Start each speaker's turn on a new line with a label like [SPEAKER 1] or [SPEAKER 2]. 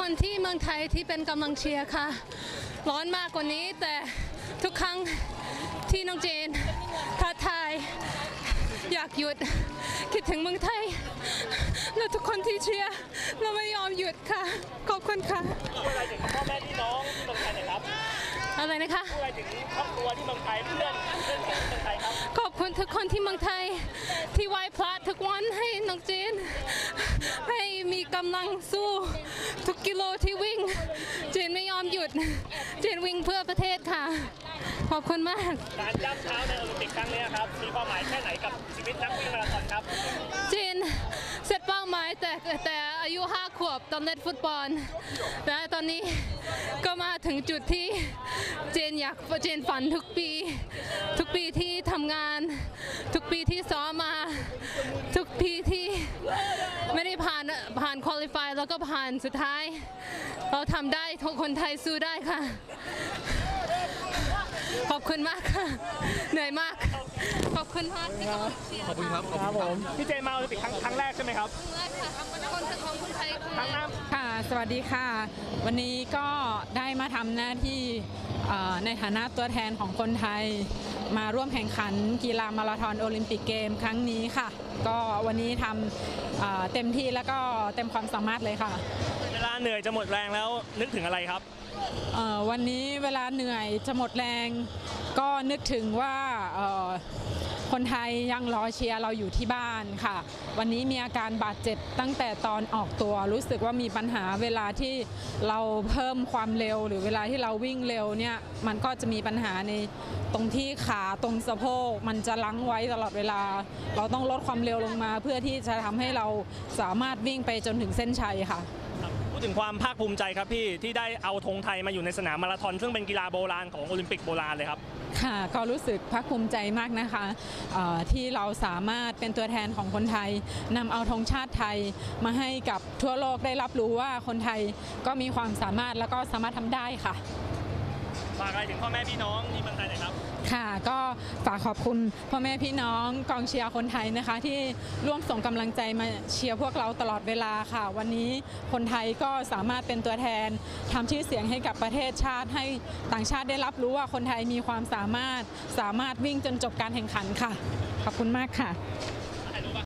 [SPEAKER 1] คนที่เมืองไทยที่เป็นกำลังเชียร์ค่ะร้อนมากกว่านี้แต่ทุกครั้งที่น้องเจนท้าทายอยากหยุดคิดถึงเมืองไทยและทุกคนที่เชียร์เราไม่ยอมหยุดค่ะขอบคุณค่ะ
[SPEAKER 2] อะไรถึงพ่อแม่พี่น้องที่เมืองไทยนะครับ
[SPEAKER 1] อะไรนะคะ
[SPEAKER 2] อะไรถึงครอบครัวที่เมืองไทยเพื่อนที่เมืองไทยครับ
[SPEAKER 1] ขอบคุณทุกคนที่เมืองไทยที่ไหว้พระทุกวันให้น้องเจนให้มีกำลังสู้ทุกกิโลที่วิ่งเจนไม่ยอมหยุดเจนวิ่งเพื่อประเทศค่ะขอบคุณมาก
[SPEAKER 2] การย่ำเท้าในโอลิมปิกครั้งนี้ครับมีความหมายแค่ไหนกับชีวิตนักวิ่งมาราธอนครับ
[SPEAKER 1] เจนเซตเป้าหมายแต่อายุ5 ขวบตอนเล่นฟุตบอลและตอนนี้ก็มาถึงจุดที่เจนฝันทุกปีที่ทำงานทุกปีที่ซ้อมมาทุกปีที่ไม่ได้ผ่านคุริฟายแล้วก็ผ่านสุดท้ายเราทำได้ทุกคนไทยสู้ได้ค่ะขอบคุณมากค่ะเหนื่อยมากขอบคุณมากที่
[SPEAKER 3] ขอบคุณครับ
[SPEAKER 2] ผมพี่เจนมาโอลิมปิกครั้งแรกใช่ไหมครับ
[SPEAKER 1] ครั้งแรกค่ะของคนไทย
[SPEAKER 2] ครั้งนั้น
[SPEAKER 4] ค่ะสวัสดีค่ะวันนี้ก็ได้มาทำหน้าที่ในฐานะตัวแทนของคนไทยมาร่วมแข่งขันกีฬามาราธอนโอลิมปิกเกมครั้งนี้ค่ะก็วันนี้ทำเต็มที่แล้วก็เต็มความสามารถเลยค่ะ
[SPEAKER 2] เวลาเหนื่อยจะหมดแรงแล้วนึกถึงอะไรครับ
[SPEAKER 4] วันนี้เวลาเหนื่อยจะหมดแรงก็นึกถึงว่าคนไทยยังรอเชียร์เราอยู่ที่บ้านค่ะวันนี้มีอาการบาดเจ็บตั้งแต่ตอนออกตัวรู้สึกว่ามีปัญหาเวลาที่เราเพิ่มความเร็วหรือเวลาที่เราวิ่งเร็วเนี่ยมันก็จะมีปัญหาในตรงที่ขาตรงสะโพกมันจะลังไว้ตลอดเวลาเราต้องลดความเร็วลงมาเพื่อที่จะทำให้เราสามารถวิ่งไปจนถึงเส้นชัยค่ะ
[SPEAKER 2] พูดถึงความภาคภูมิใจครับพี่ที่ได้เอาธงไทยมาอยู่ในสนามมาราธอนซึ่งเป็นกีฬาโบราณของโอลิมปิกโบราณเลยครับ
[SPEAKER 4] ค่ะก็รู้สึกภาคภูมิใจมากนะคะที่เราสามารถเป็นตัวแทนของคนไทยนำเอาธงชาติไทยมาให้กับทั่วโลกได้รับรู้ว่าคนไทยก็มีความสามารถแล้วก็สามารถทำได้ค่ะ
[SPEAKER 2] ฝากอะไรถึงพ่อแม่พี่น้องที่เมืองไทยหน่อยครับ
[SPEAKER 4] ค่ะก็ฝากขอบคุณพ่อแม่พี่น้องกองเชียร์คนไทยนะคะที่ร่วมส่งกำลังใจมาเชียร์พวกเราตลอดเวลาค่ะวันนี้คนไทยก็สามารถเป็นตัวแทนทำชื่อเสียงให้กับประเทศชาติให้ต่างชาติได้รับรู้ว่าคนไทยมีความสามารถวิ่งจนจบการแข่งขันค่ะขอบคุณมากค่ะ